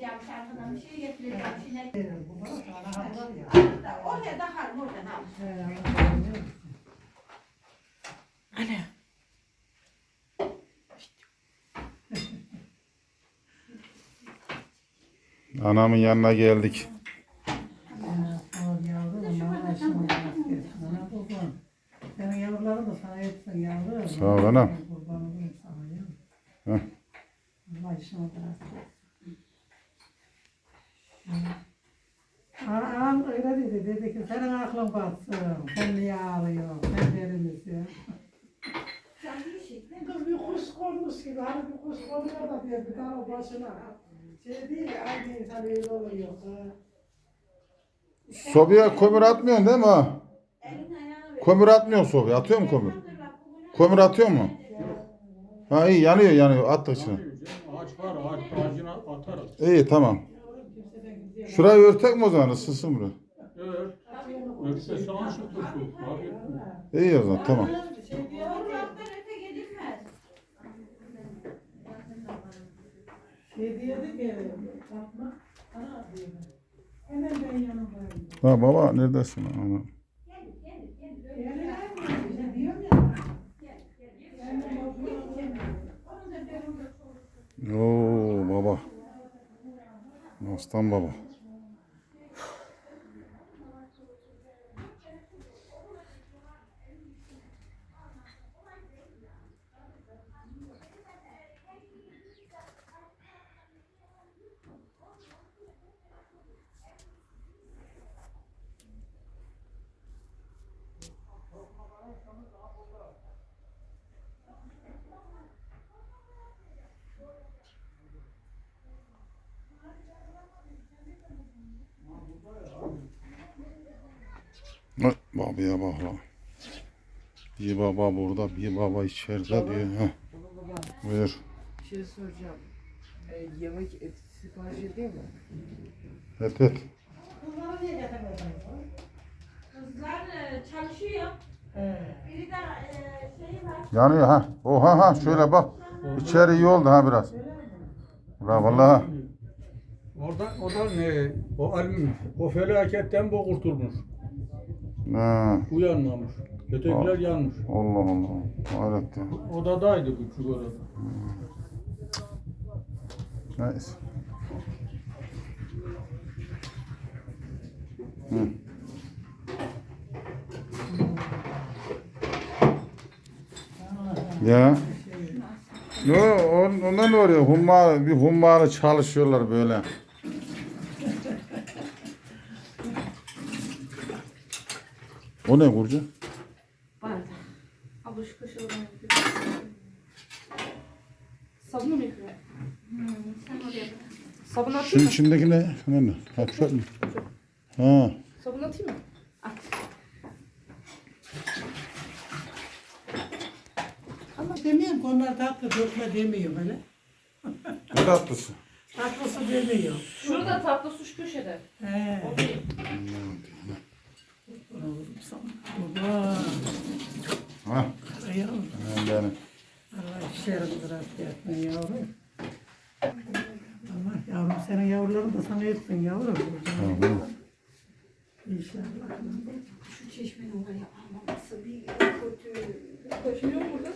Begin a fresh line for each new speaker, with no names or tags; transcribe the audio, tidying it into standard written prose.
getireceğim arkadan bir şey getireceğim. Sinek. Oraya da harım oradan al.
Ana.
Anamın yanına geldik.
Senin yavruların da sana yetsin yavrum.
Sağ ol anam.
Kurban olurum sana yavrum.
Heh.
Allah işine bırak. Ağam öyle dedi ki senin aklın batsın. Sen niye ağlıyorsun? Sen deli misin? Kız bir kuş konmuş gibi. Hani bir kuş konuyor da diyor bir tane başına. Şey değil ya aynı insan öyle oluyor.
Sobaya kömür atmıyorsun değil mi ha? Kömür atmıyorsun sobaya. Atıyor mu kömür? Kömür atıyor mu? Ha iyi yanıyor attık içine.
Ağaç var, ağacına atarız.
İyi tamam. Şurayı örtek mi o zaman? Isınsın buraya.
Evet. Örtse sana şu turşu.
İyi o zaman tamam.
Şey diyordu ki Fatma, ana diyor. Hemen ben yanımdayım.
Ha baba neredesin? Ana. Oo baba. Aslan baba. Babaya bak lan. Bir baba burada, bir baba içeride diyor. Heh. Buyur.
Bir şey soracağım. Yemek sipariş edeyim mi?
Et.
Kızlar çalışıyor. Biri de şeyi var.
Yanıyor ha. Oha ha şöyle bak. İçeri iyi oldu ha biraz. La vallahi.
O da ne? O felaketten bu kurtulmuş.
Ha.
Bu yanmamış. Ötekiler yanmış.
Allah Allah. Hayret ya.
Odadaydı bu çukur odada.
Neyse. Hı. Ya. Yo, ondan ne oluyor? Bir hummalı çalışıyorlar böyle. O ne Burcu?
Bardak. Abla şu kaşığı oradan yapayım. Sabunu mu yıkıyor?
Sen oraya bırak.
Sabun atayım
Şunun
mı?
içindeki ne? Ne? Ha çöp mü? Ha.
Sabun atayım mı? At.
Ama demiyorum ki onlar tatlı dökme demiyor böyle.
Ne tatlısı?
Tatlısı demiyor.
Şurada tatlı suş köşede.
He.
O değil.
Baba.
Ha.
Yavrum.
Benim.
Allah işlerini rahat yapma yavrum. Allah yavrum senin yavruların da sana etsin yavrum.
Tamam.
İnşallah.
Şu çeşmenin var ya almaması bir kötü.
Kaşınıyor mu burada?